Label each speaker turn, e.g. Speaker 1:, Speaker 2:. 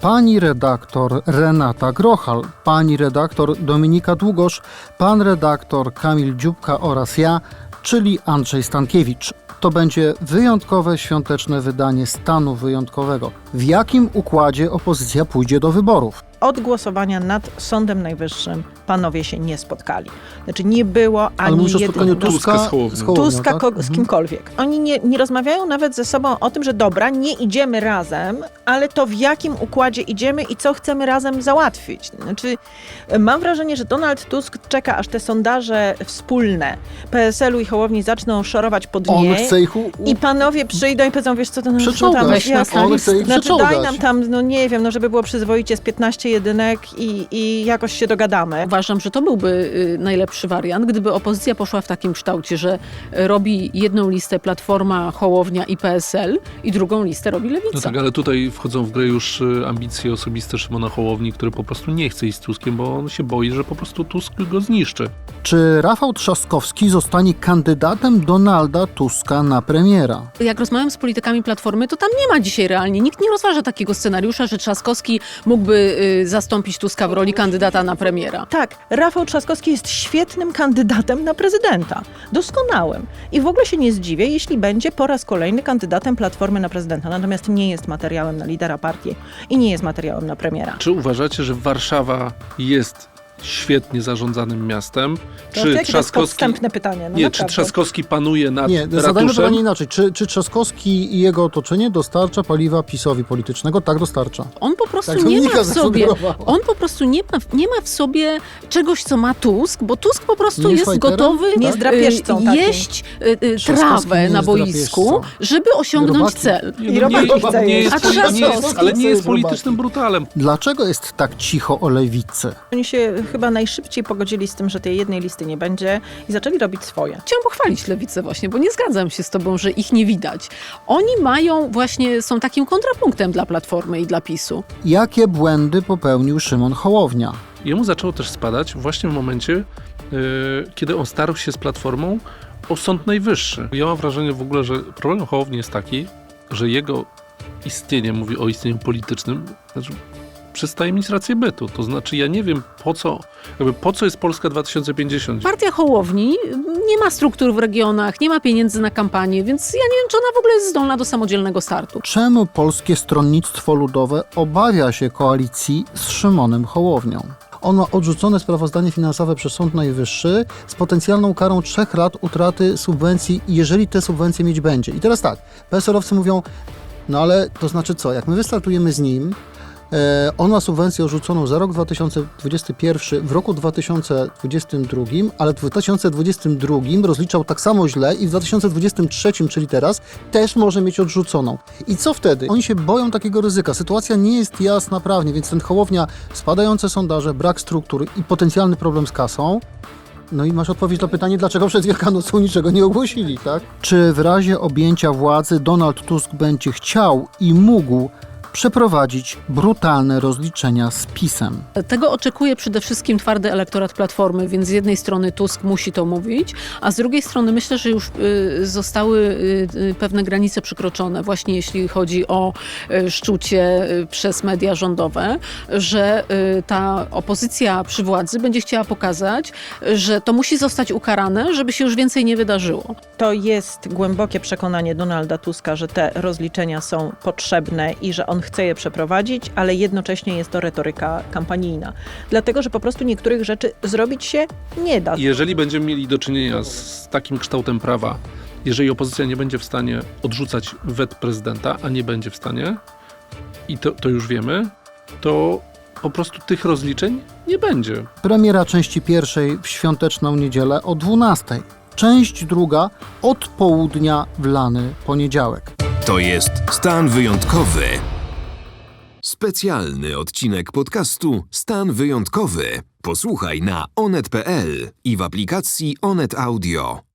Speaker 1: pani redaktor Renata Grochal, pani redaktor Dominika Długosz, pan redaktor Kamil Dziubka oraz ja, czyli Andrzej Stankiewicz. To będzie wyjątkowe świąteczne wydanie stanu wyjątkowego. W jakim układzie opozycja pójdzie do wyborów?
Speaker 2: Od głosowania nad Sądem Najwyższym panowie się nie spotkali. Znaczy nie było ani
Speaker 1: Ale mówisz o spotkaniu Tuska z Hołownią,
Speaker 2: Tuska
Speaker 1: tak?
Speaker 2: z kimkolwiek. Oni nie rozmawiają nawet ze sobą o tym, że dobra, nie idziemy razem, ale to w jakim układzie idziemy i co chcemy razem załatwić. Znaczy, mam wrażenie, że Donald Tusk czeka, aż te sondaże wspólne PSL-u i Hołowni zaczną szorować po dnie.
Speaker 1: On chce ich
Speaker 2: I panowie przyjdą i powiedzą, wiesz co, to
Speaker 1: przeczołgać.
Speaker 2: tam
Speaker 1: On chce ich
Speaker 2: znaczy
Speaker 1: przeczołgać.
Speaker 2: daj nam tam, no nie wiem, no żeby było przyzwoicie z 15 jedynek i jakoś się dogadamy.
Speaker 3: Uważam, że to byłby najlepszy wariant, gdyby opozycja poszła w takim kształcie, że robi jedną listę Platforma, Hołownia i PSL i drugą listę robi Lewica.
Speaker 4: No tak, ale tutaj wchodzą w grę już ambicje osobiste Szymona Hołowni, który po prostu nie chce iść z Tuskiem, bo on się boi, że po prostu Tusk go zniszczy.
Speaker 1: Czy Rafał Trzaskowski zostanie kandydatem Donalda Tuska na premiera?
Speaker 3: Jak rozmawiam z politykami Platformy, to tam nie ma dzisiaj realnie. Nikt nie rozważa takiego scenariusza, że Trzaskowski mógłby zastąpić Tuska w roli kandydata na premiera.
Speaker 2: Tak, Rafał Trzaskowski jest świetnym kandydatem na prezydenta. Doskonałym. I w ogóle się nie zdziwię, jeśli będzie po raz kolejny kandydatem Platformy na prezydenta. Natomiast nie jest materiałem na lidera partii i nie jest materiałem na premiera.
Speaker 4: Czy uważacie, że Warszawa jest świetnie zarządzanym miastem?
Speaker 2: To jest podstępne pytanie. No
Speaker 4: nie,
Speaker 2: naprawdę.
Speaker 4: czy Trzaskowski panuje nad
Speaker 1: Nie, zadajmy
Speaker 4: ratuszem?
Speaker 1: pytanie inaczej. Czy Trzaskowski i jego otoczenie dostarcza paliwa PiS-owi politycznego? Tak, dostarcza.
Speaker 3: On po prostu
Speaker 1: Tak,
Speaker 3: nie
Speaker 1: Dominika
Speaker 3: ma w sobie,
Speaker 1: zasugerowała.
Speaker 3: on po prostu nie ma w sobie czegoś, co ma Tusk, bo Tusk po prostu
Speaker 1: Nie jest
Speaker 3: jest
Speaker 1: fajterem?
Speaker 3: gotowy
Speaker 2: Nie jest drapieżcą takim.
Speaker 3: jeść
Speaker 1: Trzaskowski
Speaker 3: trawę
Speaker 1: nie
Speaker 3: na
Speaker 1: jest
Speaker 3: boisku,
Speaker 1: drapieżcą.
Speaker 3: żeby osiągnąć
Speaker 1: Robaki.
Speaker 3: cel.
Speaker 2: I robaki chce
Speaker 4: nie
Speaker 2: jeść.
Speaker 4: jest,
Speaker 3: A
Speaker 4: poli- nie jest,
Speaker 3: Trzaskowski
Speaker 4: ale nie
Speaker 1: chce
Speaker 4: jest
Speaker 1: jeść
Speaker 4: politycznym brutalem.
Speaker 1: Dlaczego jest tak cicho o lewicy?
Speaker 2: Oni się chyba najszybciej pogodzili z tym, że tej jednej listy nie będzie i zaczęli robić swoje.
Speaker 3: Chciałam pochwalić Lewicę właśnie, bo nie zgadzam się z tobą, że ich nie widać. Oni są takim kontrapunktem dla Platformy i dla PiS-u.
Speaker 1: Jakie błędy popełnił Szymon Hołownia?
Speaker 4: Jemu zaczęło też spadać właśnie w momencie, kiedy on starł się z Platformą o Sąd Najwyższy. Ja mam wrażenie w ogóle, że problem Hołowni jest taki, że jego istnienie, mówię o istnieniu politycznym, znaczy przestaje mieć rację bytu. To znaczy ja nie wiem po co jest Polska 2050.
Speaker 3: Partia Hołowni nie ma struktur w regionach, nie ma pieniędzy na kampanię, więc ja nie wiem, czy ona w ogóle jest zdolna do samodzielnego startu.
Speaker 1: Czemu Polskie Stronnictwo Ludowe obawia się koalicji z Szymonem Hołownią? On ma odrzucone sprawozdanie finansowe przez Sąd Najwyższy z potencjalną karą 3 lat utraty subwencji, jeżeli te subwencje mieć będzie. I teraz tak, PSL-owcy mówią, no ale to znaczy co, jak my wystartujemy z nim, on ma subwencję odrzuconą za rok 2021 w roku 2022, ale w 2022 rozliczał tak samo źle i w 2023, czyli teraz, też może mieć odrzuconą. I co wtedy? Oni się boją takiego ryzyka. Sytuacja nie jest jasna prawnie, więc ten Hołownia, spadające sondaże, brak struktur i potencjalny problem z kasą. No i masz odpowiedź na pytanie, dlaczego przed Wielkanocą niczego nie ogłosili, tak? Czy w razie objęcia władzy Donald Tusk będzie chciał i mógł przeprowadzić brutalne rozliczenia z PiS-em?
Speaker 3: Tego oczekuje przede wszystkim twardy elektorat Platformy, więc z jednej strony Tusk musi to mówić, a z drugiej strony myślę, że już zostały pewne granice przekroczone, właśnie jeśli chodzi o szczucie przez media rządowe, że ta opozycja przy władzy będzie chciała pokazać, że to musi zostać ukarane, żeby się już więcej nie wydarzyło.
Speaker 2: To jest głębokie przekonanie Donalda Tuska, że te rozliczenia są potrzebne i że on chce je przeprowadzić, ale jednocześnie jest to retoryka kampanijna. Dlatego, że po prostu niektórych rzeczy zrobić się nie da.
Speaker 4: Jeżeli będziemy mieli do czynienia z takim kształtem prawa, jeżeli opozycja nie będzie w stanie odrzucać wet prezydenta, a nie będzie w stanie, i to już wiemy, to po prostu tych rozliczeń nie będzie.
Speaker 1: Premiera części pierwszej w świąteczną niedzielę o 12:00. Część druga od południa w lany poniedziałek.
Speaker 5: To jest Stan Wyjątkowy. Specjalny odcinek podcastu Stan Wyjątkowy. Posłuchaj na onet.pl i w aplikacji Onet Audio.